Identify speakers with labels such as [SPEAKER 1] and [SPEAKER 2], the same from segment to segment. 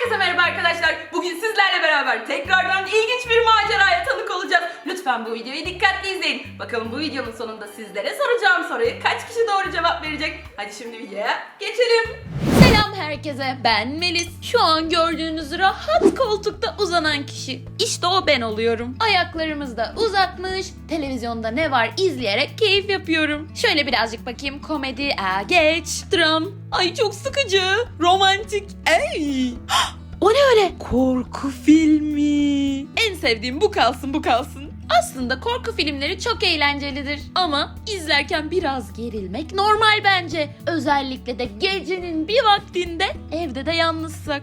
[SPEAKER 1] Herkese merhaba arkadaşlar. Bugün sizlerle beraber tekrardan ilginç bir maceraya tanık olacağız. Lütfen bu videoyu dikkatli izleyin. Bakalım bu videonun sonunda sizlere soracağım soruyu kaç kişi doğru cevap verecek? Hadi şimdi videoya geçelim.
[SPEAKER 2] Selam herkese, ben Melis. Şu an gördüğünüz rahat koltukta uzanan kişi. İşte o ben oluyorum. Ayaklarımızı da uzatmış, televizyonda ne var izleyerek keyif yapıyorum. Şöyle birazcık bakayım, komedi, geç, dram. Ay çok sıkıcı, romantik. Ey! O ne öyle? Korku filmi. En sevdiğim bu kalsın, bu kalsın. Aslında korku filmleri çok eğlencelidir ama izlerken biraz gerilmek normal bence. Özellikle de gecenin bir vaktinde evde de yalnızsak.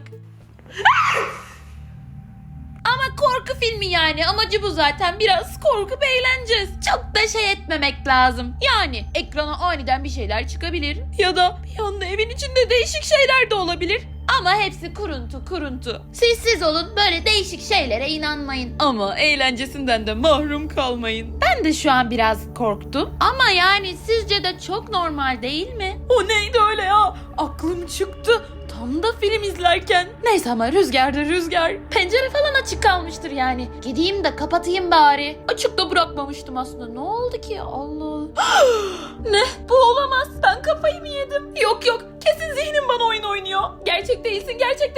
[SPEAKER 2] Ama korku filmi yani, amacı bu zaten, biraz korkup eğleneceğiz. Çok da şey etmemek lazım. Yani ekrana aniden bir şeyler çıkabilir ya da bir anda evin içinde değişik şeyler de olabilir. Ama hepsi kuruntu. Siz olun, böyle değişik şeylere inanmayın. Ama eğlencesinden de mahrum kalmayın. Ben de şu an biraz korktum. Ama yani sizce de çok normal değil mi? O neydi öyle ya? Aklım çıktı. Tam da film izlerken. Neyse ama rüzgar. Pencere falan açık kalmıştır yani. Gideyim de kapatayım bari. Açık da bırakmamıştım aslında. Ne oldu ki? Allah Allah. Ne? Bu olamaz. Ben kafayı mı yedim? Yok. Kesin zihnim bana oyun oynuyor. Gerçek değilsin.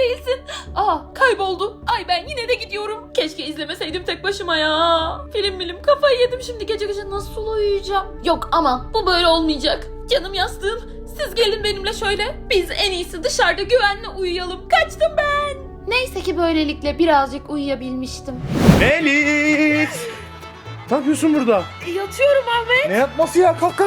[SPEAKER 2] Kayboldu. Ay ben yine de gidiyorum. Keşke izlemeseydim tek başıma ya. Film kafayı yedim şimdi, gece nasıl uyuyacağım? Yok ama bu böyle olmayacak. Canım yastığım, siz gelin benimle şöyle. Biz en iyisi dışarıda güvenle uyuyalım. Kaçtım ben. Neyse ki böylelikle birazcık uyuyabilmiştim.
[SPEAKER 3] Melis! Ne yapıyorsun burada?
[SPEAKER 1] Yatıyorum abi.
[SPEAKER 3] Ne yapması ya? Kalk.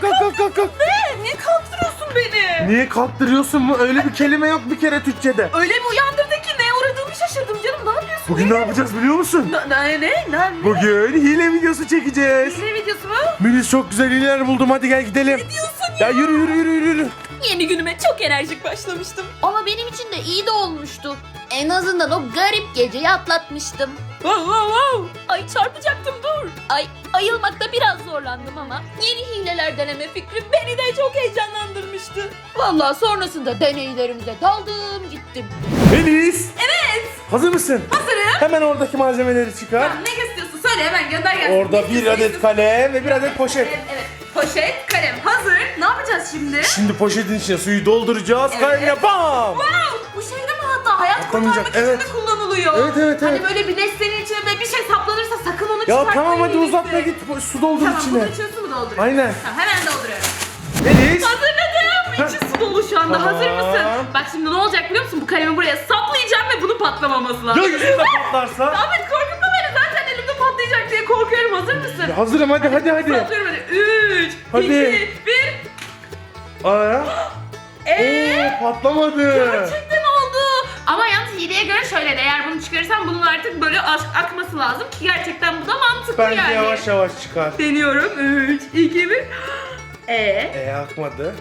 [SPEAKER 1] Ne? Niye kaldırıyorsun beni?
[SPEAKER 3] Niye kalktırıyorsun mu? Öyle bir kelime yok bir kere Türkçe'de.
[SPEAKER 1] Öyle mi uyandırdı ki neye uğradığımı şaşırdım canım. Ne yapıyorsun?
[SPEAKER 3] Bugün ne yapacağız biliyor musun?
[SPEAKER 1] Ne?
[SPEAKER 3] Bugün hile videosu çekeceğiz.
[SPEAKER 1] Ne videosu mu?
[SPEAKER 3] Melis çok güzel hileler buldum, hadi gel gidelim.
[SPEAKER 1] Ne diyorsun ya?
[SPEAKER 3] Ya yürü.
[SPEAKER 2] Yeni günüme çok enerjik başlamıştım. Ama benim için de iyi de olmuştu. En azından o garip geceyi atlatmıştım. Wow. Ay çarpacaktım, dur. Ay ayılmakta biraz zorlandım ama yeni hileler deneme fikri beni de çok heyecanlandırmıştı. Vallahi sonrasında deneylerimize daldım gittim.
[SPEAKER 3] Melis! Evet! Hazır mısın?
[SPEAKER 1] Hazırım.
[SPEAKER 3] Hemen oradaki malzemeleri çıkar.
[SPEAKER 1] Tamam, ne istiyorsun? Söyle hemen gönder gelsin.
[SPEAKER 3] Orada bir adet kalem ve bir adet poşet.
[SPEAKER 1] Evet. Poşet, kalem hazır. Ne yapacağız şimdi?
[SPEAKER 3] Şimdi poşetin içine suyu dolduracağız.
[SPEAKER 1] Evet.
[SPEAKER 3] Kalemle bam!
[SPEAKER 1] Wow! Bu şeyde mi hatta? Hayat
[SPEAKER 3] Atlamayacak,
[SPEAKER 1] kurtarmak
[SPEAKER 3] evet.
[SPEAKER 1] için de kullanılıyor.
[SPEAKER 3] Evet.
[SPEAKER 1] Hani böyle bir nesnenin içine böyle bir şey saplanırsa sakın onu
[SPEAKER 3] Ya
[SPEAKER 1] çıkartmayın.
[SPEAKER 3] tamam hadi
[SPEAKER 1] en iyisi.
[SPEAKER 3] uzatma, git su doldur
[SPEAKER 1] Tamam,
[SPEAKER 3] içine.
[SPEAKER 1] bunun içine su mu dolduruyorsun?
[SPEAKER 3] Aynen.
[SPEAKER 1] Tamam, hemen dolduruyorum.
[SPEAKER 3] Melis!
[SPEAKER 1] Hazırladım. İçi su dolu şu anda.
[SPEAKER 3] Tamam.
[SPEAKER 1] Hazır mısın? Bak şimdi ne olacak biliyor musun? Bu kalemi buraya saplayacağım ve bunun patlamaması lazım.
[SPEAKER 3] Ya yüzünde patlarsa?
[SPEAKER 1] Ahmet korkutma beni. Zaten elimde patlayacak diye korkuyorum. Hazır mısın?
[SPEAKER 3] Ya hazırım, hadi.
[SPEAKER 1] Saplıyorum hadi. 3,
[SPEAKER 3] Hadi.
[SPEAKER 1] 2, 1.
[SPEAKER 3] Aa, patlamadı.
[SPEAKER 1] Gerçekten oldu. Ama yalnız hileye göre şöyle de, eğer bunu çıkarırsam bunun artık böyle akması lazım ki gerçekten bu da mantıklı
[SPEAKER 3] Bence
[SPEAKER 1] yani.
[SPEAKER 3] yavaş çıkar.
[SPEAKER 1] Deniyorum. 3, 2, 1.
[SPEAKER 3] Akmadı.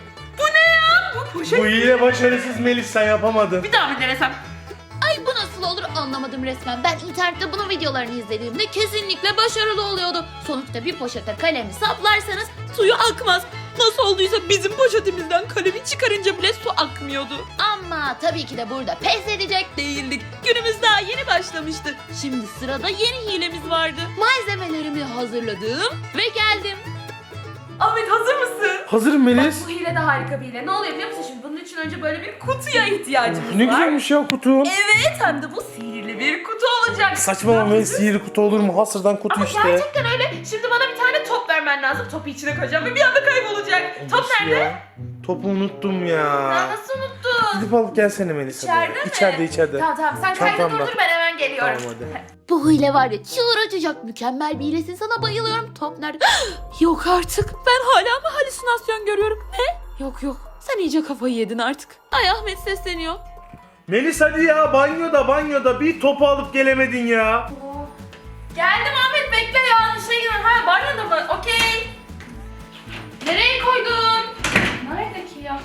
[SPEAKER 1] Bu poşet.
[SPEAKER 3] Bu hile başarısız Melis, sen yapamadın.
[SPEAKER 1] Bir daha mı denesem?
[SPEAKER 2] Ay bu nasıl olur anlamadım resmen. Ben internette bunun videolarını izlediğimde kesinlikle başarılı oluyordu. Sonuçta bir poşete kalemi saplarsanız suyu akmaz. Nasıl olduysa bizim poşetimizden kalemi çıkarınca bile su akmıyordu. Ama tabii ki de burada pes edecek değildik. Günümüz daha yeni başlamıştı. Şimdi sırada yeni hilemiz vardı. Malzemelerimi hazırladım ve geldim.
[SPEAKER 1] Ahmet hazır mısın?
[SPEAKER 3] Hazırım Melis.
[SPEAKER 1] Bak bu hile de harika bir hile. Ne oluyor biliyor musun şimdi? Bunun için önce böyle bir kutuya ihtiyacımız
[SPEAKER 3] Ne
[SPEAKER 1] var.
[SPEAKER 3] güzelmiş ya kutu.
[SPEAKER 1] Evet, hem de bu sihirli bir kutu olacak.
[SPEAKER 3] Saçmalama Melis, sihirli kutu olur mu? Hasırdan kutu
[SPEAKER 1] Ama
[SPEAKER 3] işte.
[SPEAKER 1] gerçekten öyle. Şimdi bana bir tane top vermen lazım. Topu içine koyacağım ve bir anda kaybolacak. Top
[SPEAKER 3] Nasıl
[SPEAKER 1] nerede?
[SPEAKER 3] ya? Topu unuttum
[SPEAKER 1] Ya
[SPEAKER 3] ya.
[SPEAKER 1] nasıl unuttun?
[SPEAKER 3] Gidip alıp gelsene Melis. hadi.
[SPEAKER 1] İçeride mi?
[SPEAKER 3] İçeride.
[SPEAKER 1] Tamam. Sen kaydı
[SPEAKER 3] Çantamda.
[SPEAKER 1] durdur, ben hemen geliyorum.
[SPEAKER 3] Tamam hadi.
[SPEAKER 2] Bu hile var ya, çığır açacak mükemmel bir hilesin, sana bayılıyorum. Top nerede? Yok artık, ben hala mı halüsinasyon görüyorum? Ne? Yok sen iyice kafayı yedin artık. Ay Ahmet sesleniyor.
[SPEAKER 3] Melis hadi ya, banyoda bir topu alıp gelemedin ya.
[SPEAKER 1] Geldim Ahmet, bekle ya. Dışarı gidelim. Ha, banyoda mı? Okey. Nereye koydun? Nerede ki ya?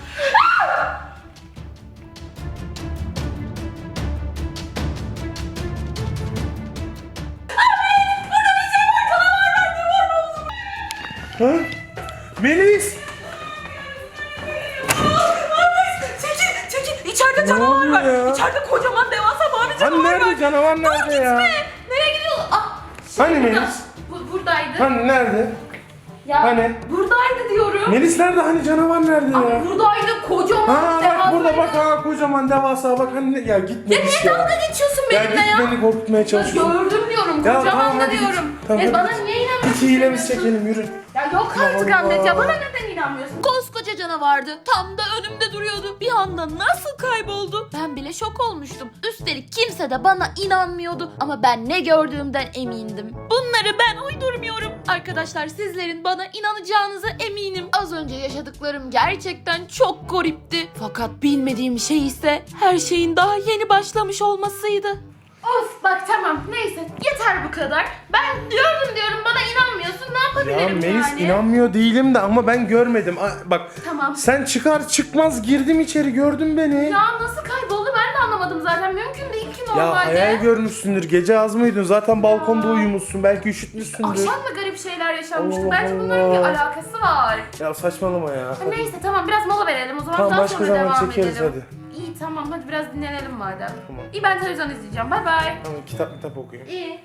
[SPEAKER 3] Ha? Melis!
[SPEAKER 1] Çekil. İçeride
[SPEAKER 3] Ne
[SPEAKER 1] canavar
[SPEAKER 3] oluyor
[SPEAKER 1] var.
[SPEAKER 3] ya?
[SPEAKER 1] İçeride kocaman devasa
[SPEAKER 3] Hani nerede canavar nerede ya?
[SPEAKER 2] Nereye gidiyorsun?
[SPEAKER 3] Hani
[SPEAKER 2] burada.
[SPEAKER 3] Melis?
[SPEAKER 2] Buradaydı.
[SPEAKER 3] Hani nerede?
[SPEAKER 2] Ya
[SPEAKER 3] hani?
[SPEAKER 2] buradaydı diyorum.
[SPEAKER 3] Melis nerede? Hani canavar nerede ya?
[SPEAKER 2] Abi buradaydı kocaman.
[SPEAKER 3] Ha bak
[SPEAKER 2] devasa.
[SPEAKER 3] burada bak ha kocaman devasa bak hani ya git Melis
[SPEAKER 2] Niye
[SPEAKER 3] ya.
[SPEAKER 2] dalga geçiyorsun
[SPEAKER 3] Ya
[SPEAKER 2] benimle
[SPEAKER 3] git
[SPEAKER 2] ya?
[SPEAKER 3] beni korkutmaya
[SPEAKER 2] Ya
[SPEAKER 3] çalışıyorsun.
[SPEAKER 2] gördüm diyorum.
[SPEAKER 3] Ya
[SPEAKER 2] Kocaman
[SPEAKER 3] tamam,
[SPEAKER 2] da
[SPEAKER 3] hadi git.
[SPEAKER 2] diyorum.
[SPEAKER 3] Tamam, hadi
[SPEAKER 2] Bana
[SPEAKER 3] git.
[SPEAKER 2] niye inanmıyorsun?
[SPEAKER 3] İki hilemiz çekelim yürü.
[SPEAKER 2] Ya yok artık
[SPEAKER 3] Allah
[SPEAKER 2] Ahmet ya.
[SPEAKER 3] Allah.
[SPEAKER 2] Bana neden inanmıyorsun? Koskoca canavardı. Tam da önümde duruyordu. Bir anda nasıl kayboldu? Ben bile şok olmuştum. Üstelik kimse de bana inanmıyordu. Ama ben ne gördüğümden emindim. Bunları ben uydurmuyorum. Arkadaşlar sizlerin bana inanacağınıza eminim. Az önce yaşadıklarım gerçekten çok garipti. Fakat bilmediğim şey ise her şeyin daha yeni başlamış olmasıydı. Of bak tamam neyse yeter bu kadar. Ben gördüm diyorum bana inanmıyorsun ne
[SPEAKER 3] Ya
[SPEAKER 2] yapabilirim
[SPEAKER 3] Melis
[SPEAKER 2] yani?
[SPEAKER 3] inanmıyor değilim de ama ben görmedim. Bak
[SPEAKER 2] Tamam.
[SPEAKER 3] sen çıkar çıkmaz girdim içeri gördün beni.
[SPEAKER 2] Ya nasıl kayboldu ben de anlamadım zaten mümkün değil ki
[SPEAKER 3] Ya
[SPEAKER 2] normalde.
[SPEAKER 3] hayal görmüşsündür. Gece az mıydın? Zaten balkonda uyumuşsun. Belki üşütmüşsündür.
[SPEAKER 2] Akşam da garip şeyler yaşanmıştı.
[SPEAKER 3] Allah
[SPEAKER 2] Bence bunların bir
[SPEAKER 3] Allah.
[SPEAKER 2] alakası var.
[SPEAKER 3] Ya saçmalama ya.
[SPEAKER 2] Ha, neyse tamam biraz mola verelim o zaman
[SPEAKER 3] Tamam
[SPEAKER 2] daha
[SPEAKER 3] başka
[SPEAKER 2] sonra
[SPEAKER 3] zaman
[SPEAKER 2] devam
[SPEAKER 3] çekeriz
[SPEAKER 2] edelim.
[SPEAKER 3] hadi.
[SPEAKER 2] İyi tamam hadi biraz dinlenelim madem.
[SPEAKER 3] Tamam.
[SPEAKER 2] İyi ben televizyon izleyeceğim bay bay.
[SPEAKER 3] Tamam kitap okuyayım.
[SPEAKER 2] İyi.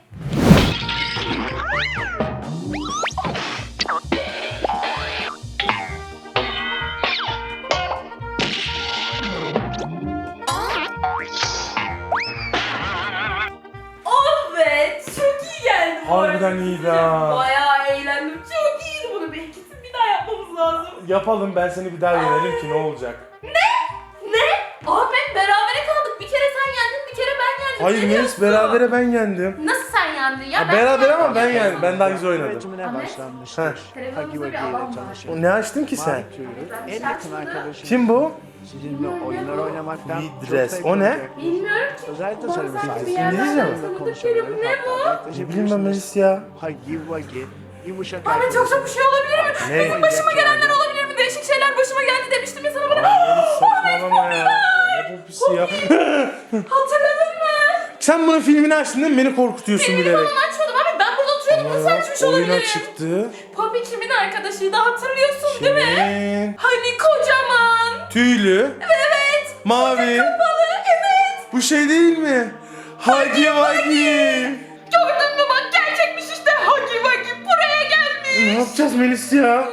[SPEAKER 1] Evet, çok iyi geldi bu arada.
[SPEAKER 3] Harbiden iyiydi ha.
[SPEAKER 1] Bayağı eğlendim. Çok iyiydi bunu. Belki bir daha yapmamız lazım.
[SPEAKER 3] Yapalım ben seni bir daha yenerim ki ne olacak?
[SPEAKER 1] Ne? Ahmet berabere kaldık. Bir kere sen yendin, bir kere ben yendim.
[SPEAKER 3] Hayır
[SPEAKER 1] Ne
[SPEAKER 3] Melis
[SPEAKER 1] diyorsun?
[SPEAKER 3] berabere ben yendim.
[SPEAKER 2] Nasıl sen yendin ya?
[SPEAKER 3] Ha, beraber ama ben yendim. Ben daha güzel oynadım.
[SPEAKER 4] Üretimine
[SPEAKER 2] Ahmet,
[SPEAKER 4] başlanmıştır.
[SPEAKER 2] televizyonda
[SPEAKER 4] Hagi
[SPEAKER 2] bir
[SPEAKER 4] Vagi
[SPEAKER 2] adam
[SPEAKER 4] ile
[SPEAKER 2] var.
[SPEAKER 4] tanışın.
[SPEAKER 3] O ne açtın ki sen?
[SPEAKER 4] Malik Tüyürü, en yakın arkadaşım.
[SPEAKER 3] Kim bu?
[SPEAKER 4] Sizinle oyunlar oynamaktan
[SPEAKER 3] Vidres,
[SPEAKER 4] çok zevk
[SPEAKER 3] o ne?
[SPEAKER 4] alacak.
[SPEAKER 2] Bilmiyorum ki.
[SPEAKER 4] Özel tasarım
[SPEAKER 2] Bana sanki
[SPEAKER 4] sayesinde
[SPEAKER 2] bir yerden
[SPEAKER 3] İngilizce mi?
[SPEAKER 2] tanıdık
[SPEAKER 4] konuşabilir,
[SPEAKER 2] geliyor. Ne bu?
[SPEAKER 4] hatta
[SPEAKER 3] Ne bileyim ben Melis ya.
[SPEAKER 4] Hagi Vagi, yumuşak
[SPEAKER 2] Ahmet çok bir şey olabilir mi?
[SPEAKER 3] Ne?
[SPEAKER 2] Benim başıma gelenler olabilir mi? Değişik şeyler başıma geldi demiştim ya sana bana.
[SPEAKER 3] Melis saçmalama ya. Ne popisi ya.
[SPEAKER 2] Hatırladın mı?
[SPEAKER 3] Sen bunun filmini açtın değil mi? Beni korkutuyorsun
[SPEAKER 2] Filmi
[SPEAKER 3] bilerek.
[SPEAKER 2] falan açmadım abi. Ben burada oturuyordum. Nasıl açmış olabilirim?
[SPEAKER 3] Oyuna çıktı.
[SPEAKER 2] Poppy kimin arkadaşıydı hatırlıyorsun değil mi?
[SPEAKER 3] Kimin?
[SPEAKER 2] Hani kocaman.
[SPEAKER 3] Tüylü.
[SPEAKER 2] Evet.
[SPEAKER 3] Mavi.
[SPEAKER 2] Kapalı. Evet.
[SPEAKER 3] Bu şey değil mi? Hagi Vagi.
[SPEAKER 2] Gördün mü bak gerçekmiş işte. Hagi Vagi buraya gelmiş.
[SPEAKER 3] Ne yapacağız Melis ya?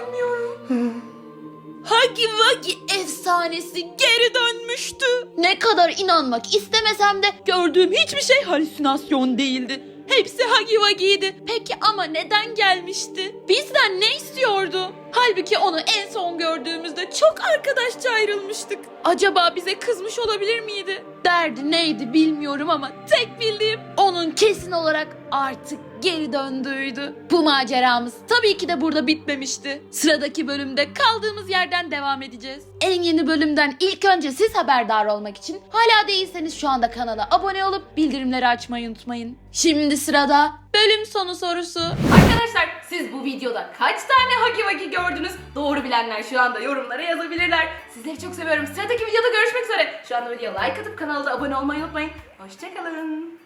[SPEAKER 2] Hagi Vagi efsanesi geri dönmüştü. Ne kadar inanmak istemesem de gördüğüm hiçbir şey halüsinasyon değildi. Hepsi Hagi Vagi'ydi. Peki ama neden gelmişti? Bizden ne istiyordu? Halbuki onu en son gördüğümüzde çok arkadaşça ayrılmıştık. Acaba bize kızmış olabilir miydi? Derdi neydi bilmiyorum ama tek bildiğim onun kesin olarak artık geri döndüğüydü. Bu maceramız tabii ki de burada bitmemişti. Sıradaki bölümde kaldığımız yerden devam edeceğiz. En yeni bölümden ilk önce siz haberdar olmak için hala değilseniz şu anda kanala abone olup bildirimleri açmayı unutmayın. Şimdi sırada bölüm sonu sorusu. Arkadaşlar siz bu videoda kaç tane Hagi Vagi gördünüz? Doğru bilenler şu anda yorumlara yazabilirler. Sizleri çok seviyorum. Sıradaki videoda görüşmek üzere. Şu anda videoya like atıp kanala da abone olmayı unutmayın. Hoşçakalın.